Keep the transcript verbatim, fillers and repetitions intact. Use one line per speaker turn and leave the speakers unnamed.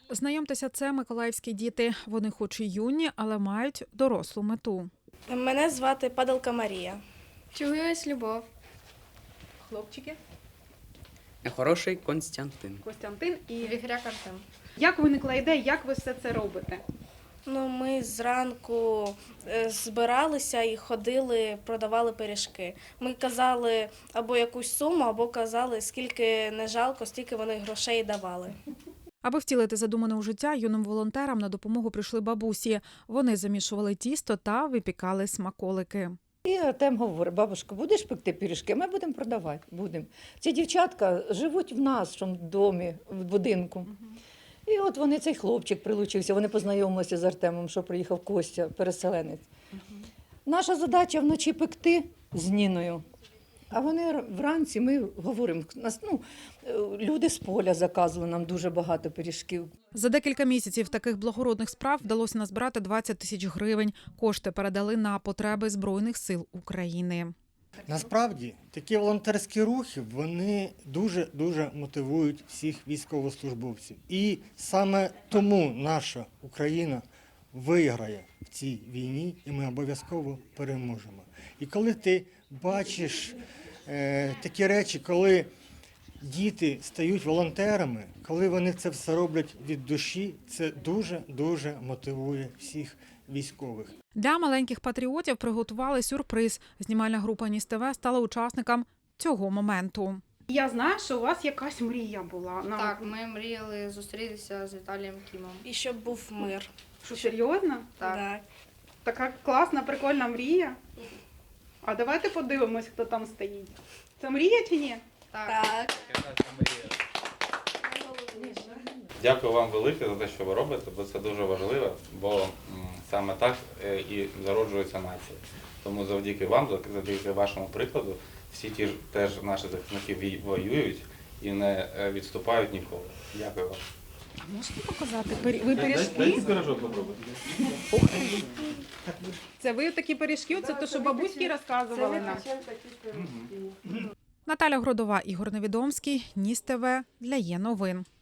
Знайомтеся, це миколаївські діти. Вони хоч і юні, але мають дорослу мету.
Мене звати Падалка Марія.
Чуюсь любов.
Хлопчики,
Хороший Константин.
Костянтин і
Вігряк Артем.
як виникла ідея, як ви все це робите?
Ну, ми зранку е, збиралися і ходили, продавали пиріжки. Ми казали або якусь суму, або казали, скільки не жалко, стільки вони грошей давали.
Аби втілити задумане у життя, юним волонтерам на допомогу прийшли бабусі. Вони замішували тісто та випікали смаколики.
І Артем говорить: бабушка, будеш пекти пиріжки? Ми будемо продавати. Будемо. Ці дівчатка живуть в нашому домі, в будинку. І от вони, цей хлопчик прилучився, вони познайомилися з Артемом, що приїхав Костя, переселенець. Наша задача вночі пекти з Ніною. А вони вранці, ми говоримо, нас, ну, люди з поля заказували нам дуже багато пиріжків.
За декілька місяців таких благородних справ вдалося назбирати двадцять тисяч гривень. Кошти передали на потреби Збройних сил України.
Насправді, такі волонтерські рухи, вони дуже-дуже мотивують всіх військовослужбовців. І саме тому наша Україна виграє в цій війні, і ми обов'язково переможемо. І коли ти бачиш е, такі речі, коли діти стають волонтерами, коли вони це все роблять від душі, це дуже-дуже мотивує всіх військових.
Для маленьких патріотів приготували сюрприз. Знімальна група Ніс ТВ стала учасником цього моменту.
Я знаю, що у вас якась мрія була. На...
Так, ми мріяли зустрітися з Віталієм Кімом.
І щоб був мир.
Що, серйозно?
Так.
Так.
Така класна, прикольна мрія. А давайте подивимось, хто там стоїть. Це мрія чи ні?
Так.
Так.
Дякую вам велике за те, що ви робите, бо це дуже важливо, бо м, саме так е, і зароджується нація. Тому завдяки вам, завдяки вашому прикладу, всі ті ж теж наші захисники вій- воюють і не е, відступають ніколи. Дякую вам.
Можете показати? Ви пиріжки?
пирожок попробуйте.
Це ви такі пиріжки? Це те, що бабуськи розказували нам?
Наталя Гродова, Ігор Невідомський, Ніс ТВ для Є новин.